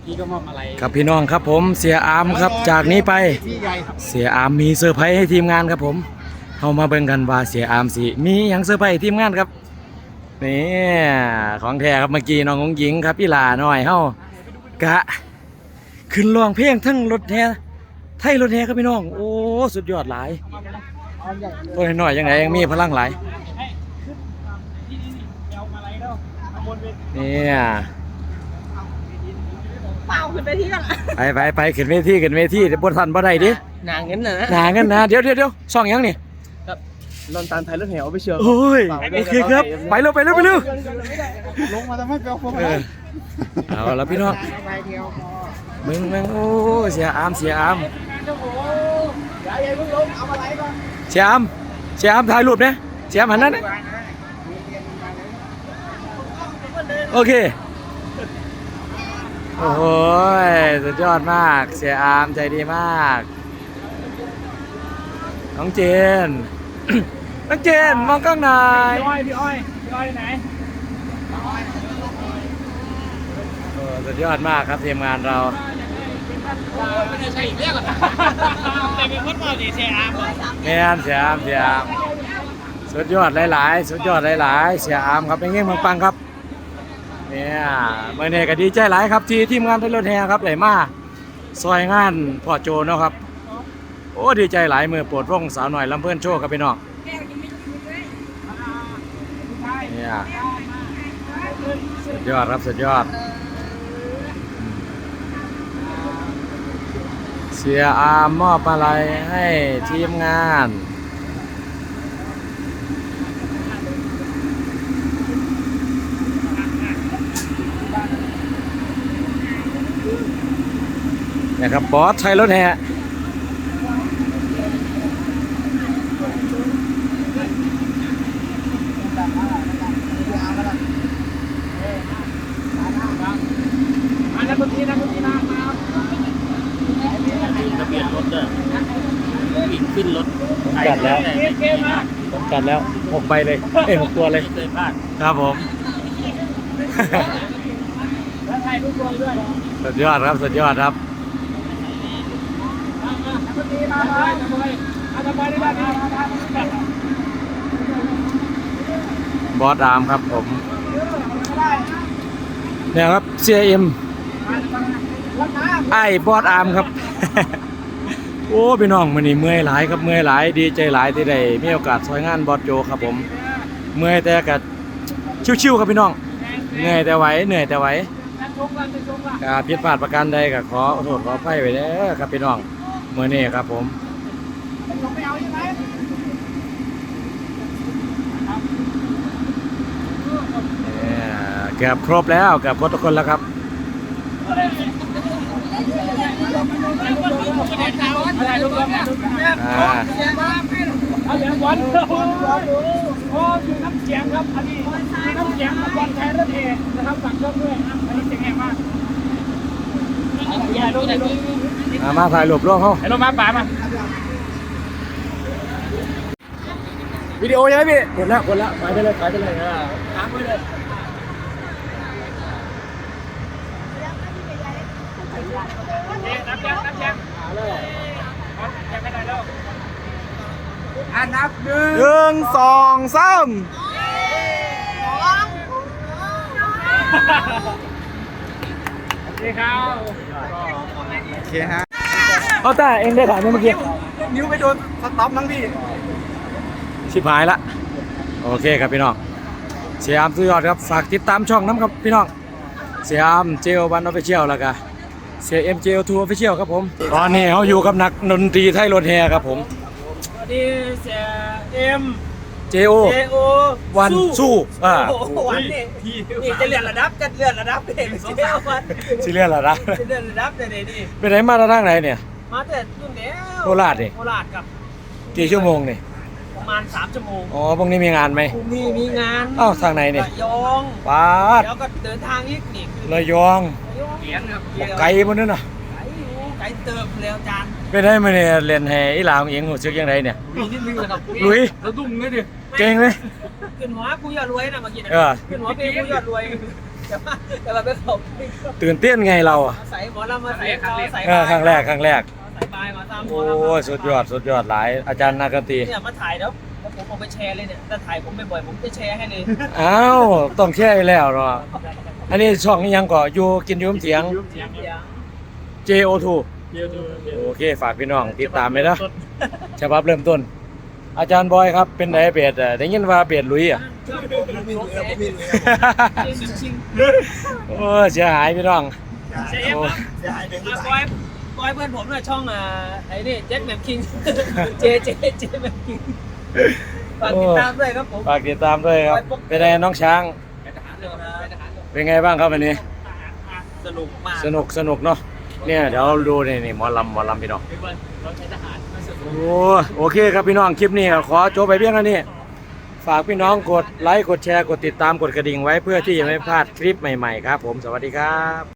พี่ก็มอบอะไรครับพี่น้องครับผมเสียอามครับจากนี้ไปเสียอามมีเซอร์ไพรส์ให้ทีมงานครับผมเข้ามาเบิ่งกันว่าเสียอามสิมีอย่างเซอร์ไพรส์ให้ทีมงานครับนี่ของแท้ครับเมื่อกี้น้องงหญิงครับพี่ลาหน่อยเฮากะขึ้นร้องเพลงทั้งรถแห่ไทยรถแห่ครับพี่น้องโอ้สุดยอดหลายตัวน้อยยังไงยังมีพลังหลายเนี่ยเปล่าขึ้นไปที่กันไปขึ้นเวทีเดี๋ยวบนทันบ่ได้ดิหนาเงินนะหนาเงินนะเดี๋ยวช่องยังนี่ครับลอนตาลไทยรถแห่เอาไปเชียวโอ้ยโอเคครับไปเร็วลงมาทำให้เปลวไฟเอาแล้วพี่น้องมึงโอ้เสียอามเสียอามถ่ายรูปเนี่ยเสียอามหันนั่นโอเคโอ้โหสุดยอดมากเสียอามใจดีมากน้องเจน น้องเจนมองกล้องหน่อยพี่อ้อยไหนสุดยอดมากครับทีมงานเราไม่ได้ใช่อีกเรื่องอ่ะแต่เป็นคนมาดีเสียอามแม่นเสียอามสุดยอดหลายๆเสียอามครับเป็นเงี้ยปังครับเนี่ยเมื่อนี้ก็ดีใจหลายครับที่ทีมงานไทยรถแห่ครับได้มาซอยงานพ่อโจเนาะครับโอ้ดีใจหลายมือโปรดวงสาวหน่อยลำเพื่อนโชว์ครับพี่น้องเนี่ยสุดยอดครับสุดยอดเสียอามมอบอะไรให้ทีมงานนะครับบอสไทยรถแห่นักดนตรีนะทะเบียนรถเด้อวิ่งขึ้นรถกันแล้ว6 ใบเลย6 ตัวเลยครับผมสุดยอดครับบอสอามครับผมเนี่ยครับ CM ไอ้บอสอามครับ โอ้พี่น้องมื้อนี้เมื่อยหลายครับดีใจหลายที่ได้มีโอกาสซอยงานบอสโจครับผมเมื่อยแต่ก็ชิวๆครับพี่น้องเหนื่อยแต่ไหวผิดพลาดประการใดก็ขอโทษขออภัยไว้เด้อครับพี่น้องมื้อนี้ครับผมเกือบครบแล้วเกือบครบทุกคนแล้วครับอะไรลูกเอาเหรียญบอลโอ้คือน้ำเสียงครับอันนี้น้ำเสียงบอลไทยรถแห่นะครับฝากช่องด้วยอันนี้เสียงแห่มากมาถ่ายรูปร่วมเขาไอ้ลงมาป่ามาวิดีโอใช่ไหมพี่กดแล้วไปได้เลยถามไปเลยนับยังนับ 1 2 3 ดีครับโอเคฮะเอาแต่เองได้ถ่ายเมื่อกี้นิ้วไปโดนสต็อปมั้งพี่ชิบหายละโอเคครับพี่น้องเสียอามสุดยอดครับฝากติดตามช่องน้ำครับพี่น้องเสียอามJO1 Official แล้วก็เสีย JO2 Official ครับผมตอนนี้เขาอยู่กับนักดนตรีไทยรถแห่ครับผมสวัสดีเสีย JO วันสู้วันนี่จะเลื่อนระดับเองสิเลื่อนระดับนี่ไปไหนมาทางไหนเนี่ยมาแต่รุ่นเดียวโคราชกับกี่ชั่วโมงนี่ประมาณ3 ชั่วโมงอ๋อพรุ่งนี้มีงานไหมมีงานอ้าวทางไหนเนี่ยระยองป้าดแล้วก็เดินทางอีกนี่ระยองไกลมันนั่นน่ะไกลเติมแล้วจานไปไหนมาเนี่ยเรียนแห่อีหลาของเองหูซึกยังไงเนี่ยมีนิดนึงนะครับลุยแล้วดุ้งเลยดิเก่งเลยขึ้นหัวกูอยากรวยนะเมื่อกี้นะขึ้นหัวกูอยากรวยแต่ว่าเป็นผมตื่นเต้นไงเราอะใส่หมอลำมาใส่เขาใส่ครั้งแรกใส่บายมาตามหมโอ้อลำยสุดยอดหลายอาจารย์นักดนตรีเนี่ยมาถ่ายแล้วผมเอาไปแชร์เลยเนี่ยถ้าถ่ายผมบ่อยๆผมจะแชร์ให้เลยอ้าวต้องแช่อยู่แล้วเนาะอันนี้ช่องนี้ยังก่ออยู่กินยืมเสียงเสียง JO2 โอเคฝากพี่น้องติดตามเลยนะฉบับเริ่มต้น อาจารย์บอยครับเป็นไดเบดได้ยินว่าเบดลุยอ่ะชิงโอ้เสียหายพี่น้องเชฟครับบอยเพื่อนผมเนี่ยช่องไอ้นี่เจ็คแมมคิงเจแมมคิงฝากติดตามด้วยครับผมฝากติดตามด้วยครับเป็นไงน้องช้าง เป็นไงบ้างครับวันนี้สนุกมากสนุกเนาะเนี่ยเดี๋ยวดูนี่หมอลำพี่น้องเราใช้ทหารมาสนุกโอเคครับพี่น้องคลิปนี้ก็ขอจบไปเพียงเท่านี้ฝากพี่น้องกดไลค์กดแชร์กดติดตามกดกระดิ่งไว้เพื่อที่จะไม่พลาดคลิปใหม่ๆครับผมสวัสดีครับ